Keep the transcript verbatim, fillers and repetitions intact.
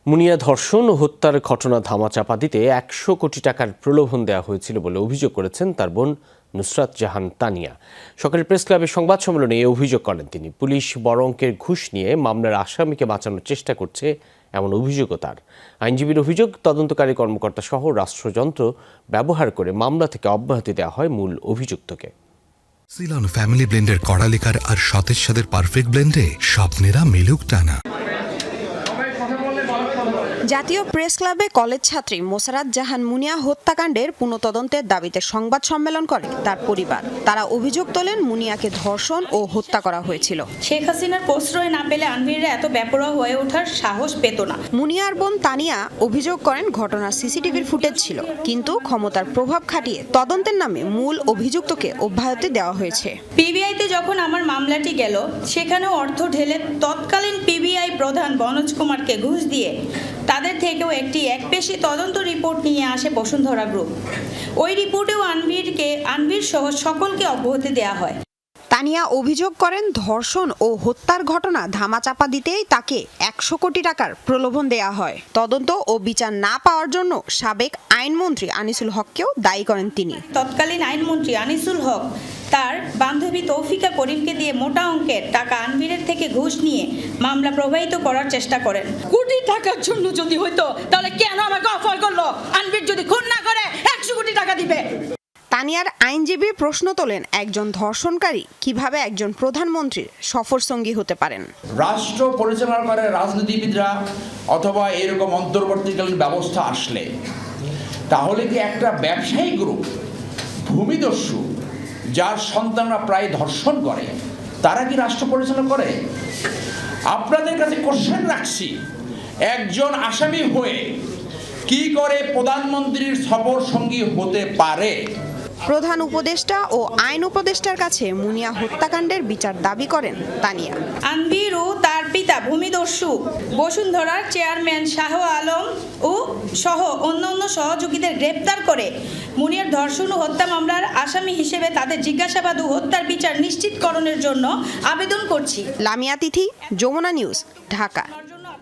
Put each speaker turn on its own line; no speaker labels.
মুনিয়া ধর্ষণ ও হত্যার ঘটনা ধামাচাপা দিতে একশো কোটি টাকার প্রলোভন দেওয়া হয়েছিল বলে অভিযোগ করেছেন তার বোন নুসরাত জাহান তানিয়া। সকালে প্রেস ক্লাবের সংবাদ সম্মেলনে এই অভিযোগ করেন তিনি। পুলিশ বড় অঙ্কের ঘুষ নিয়ে মামলার আসামিকে বাঁচানোর চেষ্টা করছে, এমন অভিযোগও তার। আইনজীবীর অভিযোগ, তদন্তকারী কর্মকর্তা সহ রাষ্ট্রযন্ত্র ব্যবহার করে মামলা থেকে অব্যাহতি দেওয়া হয় মূল অভিযুক্তকে।
সিলন ফ্যামিলি ব্লেন্ডের কড়ালিকার আর সতেজ স্বাদের পারফেক্ট ব্লেন্ডে স্বপ্নেরা মিলুক টানা।
জাতীয় প্রেস ক্লাবে কলেজ ছাত্রী মোসারাত জাহান মুনিয়া হত্যাকাণ্ডের পুনঃতদন্তের দাবিতে সংবাদ সম্মেলন করে তার পরিবার। তারা অভিযোগ তোলেন মুনিয়াকে ধর্ষণ ও হত্যা করা হয়েছিল।
শেখ হাসিনার প্রশ্রয় না পেলে আনভিররা এত বেপরোয়া হয়ে ওঠার সাহস পেত না।
মুনিয়ার বোন তানিয়া অভিযোগ করেন ঘটনার সিসিটিভির ফুটেজ ছিল, কিন্তু ক্ষমতার প্রভাব খাটিয়ে তদন্তের নামে মূল অভিযুক্তকে অব্যাহতি দেওয়া হয়েছে।
পিবিআইতে যখন আমার মামলাটি গেল, সেখানেও অর্থ ঢেলে তৎকালীন পিবিআই প্রধান বনোজ কুমারকে ঘুষ দিয়ে তাদের থেকেও একটি একপেশি তদন্ত রিপোর্ট নিয়ে আসে বসুন্ধরা গ্রুপ। ওই রিপোর্টেও আনভিরকে আনভির সহ সকলকে অব্যাহতি দেওয়া হয়।
তানিয়া অভিযোগ করেন ধর্ষণ ও হত্যার ঘটনা ধামাচাপা দিতেই তাকে একশো কোটি টাকার প্রলোভন দেয়া হয়। তদন্ত ও বিচার না পাওয়ার জন্য সাবেক আইনমন্ত্রী আনিসুল হককেও দায়ী করেন তিনি।
তৎকালীন আইনমন্ত্রী আনিসুল হক তার বান্ধবী তৌফিকা করিমকে দিয়ে মোটা অঙ্কের টাকা আনভিরের থেকে ঘুষ নিয়ে মামলা প্রবাহিত করার চেষ্টা করেন।
কোটি টাকার জন্য যদি হইতো তাহলে কেন আমাকে অফার করলো? আনভির যদি খুন না করে একশো কোটি টাকা দিবে।
তানিয়ার আইনজীবী প্রশ্ন তোলেন, একজন ধর্ষণকারী কিভাবে একজন প্রধানমন্ত্রীর সফর সঙ্গী হতে পারেন?
রাষ্ট্র পরিচালনা করে রাজনীতিবিদরা অথবা এরকম অন্তর্বর্তীকালীন ব্যবস্থা আসলে, তাহলে কি একটা ব্যবসায়ী গ্রুপ ভূমিদস্যু যার সন্তানরা প্রায় ধর্ষণ করে, তারা কি রাষ্ট্র পরিচালনা করে? আপনাদের কাছে কোশ্চেন রাখছি, একজন আসামি হয়ে কি করে প্রধানমন্ত্রীর সফর সঙ্গী হতে পারে?
প্রধান উপদেষ্টা ও আইন উপদেষ্টার কাছে মুনিয়া হত্যাকাণ্ডের বিচার দাবি করেন তানিয়া।
আনভির ও তার পিতা ভূমিদস্যু বসুন্ধরার চেয়ারম্যান শাহ আলম ও সহ অন্যান্য সহযোগীদের গ্রেপ্তার করে মুনিয়ার ধর্ষণ ও হত্যা মামলার আসামি হিসেবে তাদের জিজ্ঞাসাবাদ ও হত্যার বিচার নিশ্চিতকরণের জন্য আবেদন করছি।
লামিয়া তিথি, যমুনা নিউজ, ঢাকা।